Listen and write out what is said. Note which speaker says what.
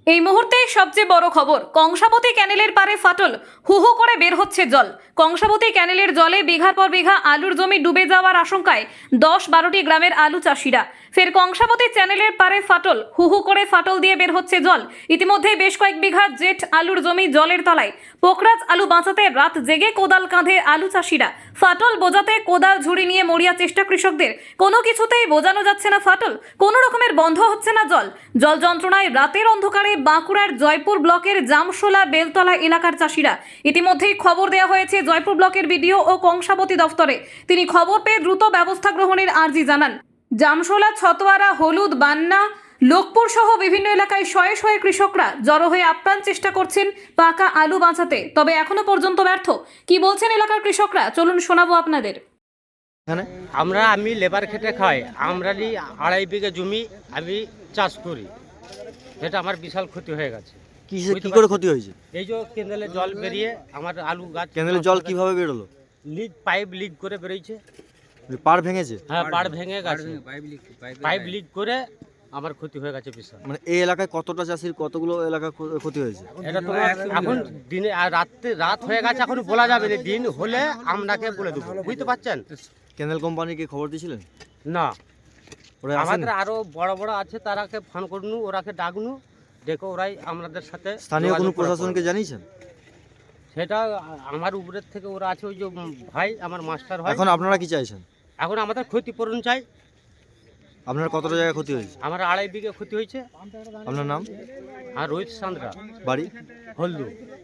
Speaker 1: এই মুহূর্তে সবচেয়ে বড় খবর, কংসাবতী ক্যানেলের পারে ফাটল, হু হু করে বের হচ্ছে জল। কংসাবতী ক্যানেলের জলে বিঘার পর বিঘা আলুর জমি ডুবে যাওয়ার আশঙ্কায় 10-12টি গ্রামের আলু চাষিরা। ফের কংসাবতী চ্যানেলের পারে ফাটল, হু হু করে ফাটল দিয়ে বের হচ্ছে জল। ইতিমধ্যে বেশ কয়েক বিঘা জেট আলুর জমি জলের তলায়। পোকরাজ আলু বাঁচাতে রাত জেগে কোদাল কাঁধে আলু চাষিরা। ফাটল বোঝাতে কোদাল ঝুড়ি নিয়ে মরিয়া চেষ্টা কৃষকদের। কোনো কিছুতেই বোঝানো যাচ্ছে না ফাটল, কোনো রকমের বন্ধ হচ্ছে না জল। জল যন্ত্রণায় রাতের অন্ধকারে বাঁকুড়ার জয়পুর ব্লকের জামশোলা বেলতলা এলাকার চাষিরা। ইতিমধ্যেই খবর দেওয়া হয়েছে জয়পুর ব্লকের বিডিও ও কংসাবতী দফতরে। তিনি খবর পেয়ে দ্রুত ব্যবস্থা গ্রহণের আর্জি জানান। জামশোলা, ছতোয়ারা, হলুদ, বান্না, লোকপুর সহ বিভিন্ন এলাকায় শয়ে শয়ে কৃষকরা জড়ো হয়ে আপ্রাণ চেষ্টা করছেন পাকা আলু বাঁচাতে, তবে এখনো পর্যন্ত ব্যর্থ। কি বলছেন এলাকার কৃষকরা, চলুন শোনাবো আপনাদের।
Speaker 2: আমি লেবার খেটে খাই। আমরা 2.5 বিঘা জমি আমি চাষ করি, যেটা আমার বিশাল ক্ষতি হয়ে গেছে।
Speaker 3: কি করে ক্ষতি হয়েছে?
Speaker 2: এই যে কেন্দ্রের জল বেরিয়ে আমার আলু গাছ।
Speaker 3: কেনেলের জল কিভাবে বেরোলো?
Speaker 2: পাইপ লিক করে বেরিয়েছে।
Speaker 3: পাড় ভেঙেছে?
Speaker 2: হ্যাঁ, পাড় ভেঙে গেছে, পাইপ লিক করে আমার ক্ষতি হয়ে গেছে বিশাল।
Speaker 3: মানে এই এলাকায় কতটা চাষির কতগুলো এলাকা ক্ষতি হয়েছে?
Speaker 2: এটা তোমার এখন দিনে আর রাত হয়ে গেছে, এখন বলা যাবে না। দিন হলে আপনাকে বলে দেবো, বুঝতে পারছেন?
Speaker 3: কেনেল কোম্পানিকে খবর দিয়েছিলেন?
Speaker 2: না,
Speaker 3: ওরা আসেনি?
Speaker 2: আমাদের আরো বড় বড় আছে, তারাকে ফোন করনু, ওরাকে ডাকনু, দেখো ওরাই আমাদের সাথে
Speaker 3: স্থানীয় কোনো
Speaker 2: যোগাযোগ করে
Speaker 3: প্রশাসনকে
Speaker 2: করবে।
Speaker 3: জানিয়েছেন?
Speaker 2: সেটা আমার উপরের থেকে ওরা আছে, ওই যে ভাই আমার মাস্টার হয়।
Speaker 3: এখন আপনারা কি চাইছেন?
Speaker 2: এখন আমাদের ক্ষতিপূরণ চাই।
Speaker 3: আপনার কতটা জায়গায় ক্ষতি হয়েছে?
Speaker 2: আমার 2.5 বিঘে ক্ষতি হয়েছে।
Speaker 3: আপনার নাম?
Speaker 2: আর রোহিত সান্দ্রা,
Speaker 3: বাড়ি?
Speaker 2: হলদু।